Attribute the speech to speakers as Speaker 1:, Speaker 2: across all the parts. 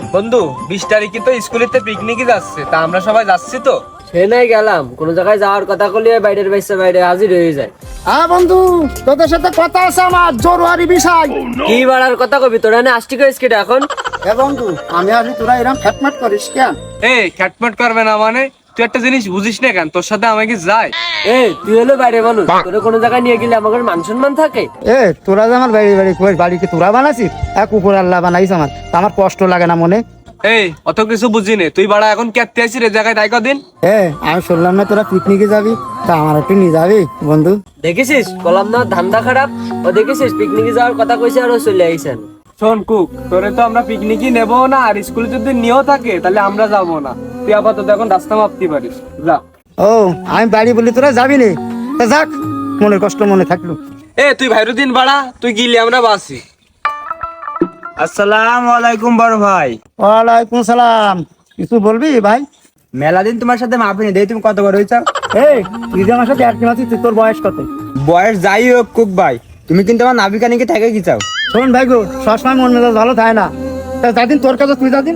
Speaker 1: বন্ধু 20 তারিখে তো স্কুলেতে পিকনিকে যাচ্ছে, তা আমরা সবাই যাচ্ছি তো।
Speaker 2: সে নাই গেলাম, কোন জায়গায় যাওয়ার কথা কইলে বাইরের বাইরে হাজির হয়ে যায়।
Speaker 3: হ্যাঁ বন্ধু, তোদের সাথে কথা আছে আমার জরুরি বিষয়।
Speaker 2: কি বাড়ার কথা কবি তোরা না আসটি কইস কেটে এখন?
Speaker 3: এ বন্ধু, আমি আসি তোরা এরকম ফ্যাটম্যাট করিস কেন?
Speaker 1: এই খ্যাটম্যাট করবে না মানে? তুই একটা জিনিস বুঝিস না কেন? তোর সাথে আমাকে যায়।
Speaker 2: তুই হলো বাইরে বলু, তোরা কোনো জায়গায় নিয়ে গেলে আমাদের মান সম্মান থাকে?
Speaker 3: তোরা যে আমার বাড়ি কি তোরা বানাছিস? এক উপর আল্লাহ বানাইস আমার, তা আমার কষ্ট লাগে না মনে?
Speaker 1: এই অত কিছু বুঝি নে, তুই বাড়া এখন কেটে আসিস রে জায়গায় তাই কদিন।
Speaker 3: আমি শুনলাম না তোরা পিকনিকে যাবি, তা আমার একটু নিয়ে যাবি বন্ধু?
Speaker 2: দেখেছিস কলাম না ধান্দা খারাপ। ও দেখেছিস পিকনিকে যাওয়ার কথা কইছে আর ও চলে আইছেন।
Speaker 1: শোন কুক, তোরে তো আমরা পিকনিকই নেবো না, আর স্কুলে যদি নিয়েও থাকে তাহলে আমরা যাবো না। তুই আপাতত এখন রাস্তা মাপতে পারিস, যা।
Speaker 3: ও আমি বাড়ি বলি তোরা যাবি নি, তা যাক, মনের কষ্ট মনে থাকলো।
Speaker 1: তুই ভাইরুদ্দিন বাড়া, তুই গিলি আমরা বাসি। আসসালামু আলাইকুম বড় ভাই।
Speaker 3: ওয়ালাইকুম সালাম। কিছু বলবি ভাই?
Speaker 1: মেলা দিন তোমার সাথে মাপিনি দেই, তুমি কত বড় হইছ?
Speaker 3: তুই যে আমার সাথে এক মাসি, তোর বয়স কত?
Speaker 1: বয়স যাই হোক কুক ভাই, তুমি কিন্তু আমার নাবিকানিকে থেকে কি চাও?
Speaker 3: শোন ভাই গো, সবসময় মন মেজাজ ভালো থাকে না, তা যাদিন তোর কাছে তুই যাদিন।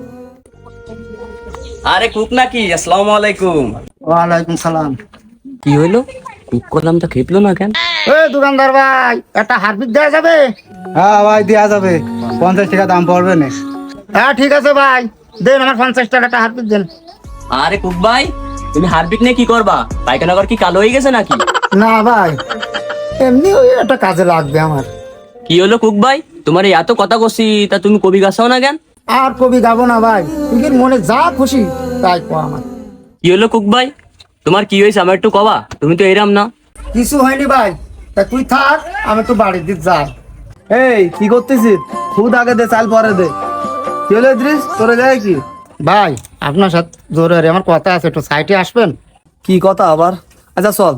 Speaker 2: আরে কুক নাকি? আসসালামু আলাইকুম।
Speaker 3: ওয়ালাইকুম সালাম।
Speaker 2: কি হইলো? কুক করলাম তো খেপলো না কেন?
Speaker 3: দোকানদার ভাই, একটা হারপিক দেওয়া যাবে?
Speaker 4: হ্যাঁ ভাই, দেওয়া যাবে। 50 টাকা দাম পড়বে না।
Speaker 3: হ্যাঁ ঠিক আছে ভাই, দেন আমার 50 টাকা একটা হারপিক দেন।
Speaker 2: আরে কুক ভাই, তুমি হারপিক নিয়ে কি করবা? পায়খানা ঘর কি কালো হয়ে গেছে নাকি?
Speaker 3: না ভাই, এমনি ওই একটা কাজে লাগবে আমার।
Speaker 2: কি হলো কুক ভাই, তোমার এত কথা কছি, তা তুমি কবি গাছাও না কেন?
Speaker 3: আর কবি গাবো না ভাই, তুই মনে যা খুশি তাই কো আমার।
Speaker 2: কি হলো কুক ভাই, তোমার কি হয়েছে আমার একটু কবা? তুমি তো এরাম না।
Speaker 3: কিছু হয়নি ভাই, তা তুই থাক, আমি একটু বাড়ির দিক যাই।
Speaker 4: এই কি করতেছিস? খুদ আগে দে, চাল পরে দে। কি হলো ইদ্রিস, তোরে যায় কি?
Speaker 3: ভাই আপনার সাথে জরুরি আমার কথা আছে, একটু সাইডে আসবেন?
Speaker 4: কি কথা আবার? আচ্ছা চল।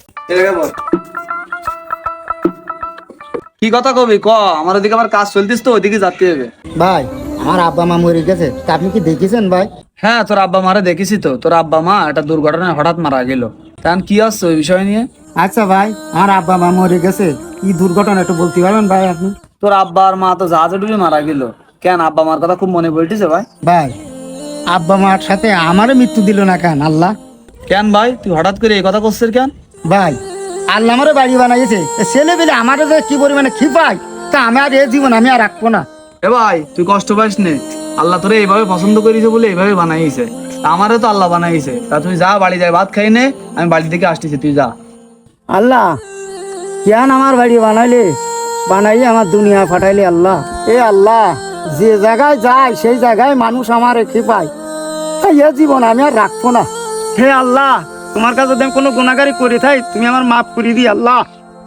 Speaker 4: কি কথা কবি ক, আমার ওদিকে আবার কাজ চলতিস তো, ওইদিকে যেতে হবে।
Speaker 3: ভাই আমার আব্বা মা মরে গেছে, তা আপনি কি দেখেছেন ভাই?
Speaker 4: হ্যাঁ, তোর আব্বা মারে দেখেছি তো। তোর আব্বা মা একটা দুর্ঘটনায় হঠাৎ মারা গেল। তখন কি আসছে ওই বিষয় নিয়ে?
Speaker 3: আচ্ছা ভাই, আমার আব্বা মা মরে গেছে, কি দুর্ঘটনা একটু বলতে পারবেন ভাই আপনি?
Speaker 4: তোর আব্বা আর মা তো জাহাজে ডুবে মারা গেল। কেন, আব্বা মার কথা খুব মনে পড়তেছে ভাই?
Speaker 3: ভাই আব্বা মার সাথে আমারও মৃত্যু দিল না কেন আল্লাহ?
Speaker 4: কেন ভাই, তুই হঠাৎ করে এই কথা করছিস কেন?
Speaker 3: ভাই আল্লাহ আমারও বাড়ি বানাইছে, ছেলে পেলে আমারও যে কি পরিমাণে খিপাই, তা আমি আর এই জীবন আমি আর রাখবো না।
Speaker 4: এ ভাই তুই কষ্ট পাইস নে, আল্লাহ তোরে এইভাবে পছন্দ করেছে বলে এইভাবে বানাইছে। আমারও তো আল্লাহ বানাইছে। তা তুই যা, বাড়ি যাই ভাত খাই নে, আমি বাড়ি থেকে আসতেছি, তুই যা।
Speaker 3: আল্লাহ কেন আমার বাড়ি বানাইলে আমার দুনিয়া ফাটাইলে আল্লাহ। এ আল্লাহ, যে জায়গায় যায় সেই জায়গায় মানুষ আমার খিপায়, তাই এ জীবন আমি আর রাখবো না। হে আল্লাহ, তোমার কাছে যদি আমি কোনো গুনাহগারি করে থাই, তুমি আমার মাফ করে দি আল্লাহ।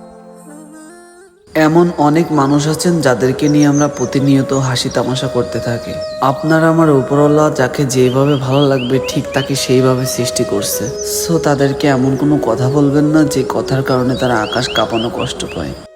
Speaker 5: এমন অনেক মানুষ আছেন যাদেরকে নিয়ে আমরা প্রতিনিয়ত হাসি তামাশা করতে থাকি। আপনার আমার উপরওয়ালা যাকে যেভাবে ভালো লাগবে ঠিক তাকে সেইভাবে সৃষ্টি করছে। সো তাদেরকে এমন কোনো কথা বলবেন না যে কথার কারণে তারা আকাশ কাঁপানো কষ্ট পায়।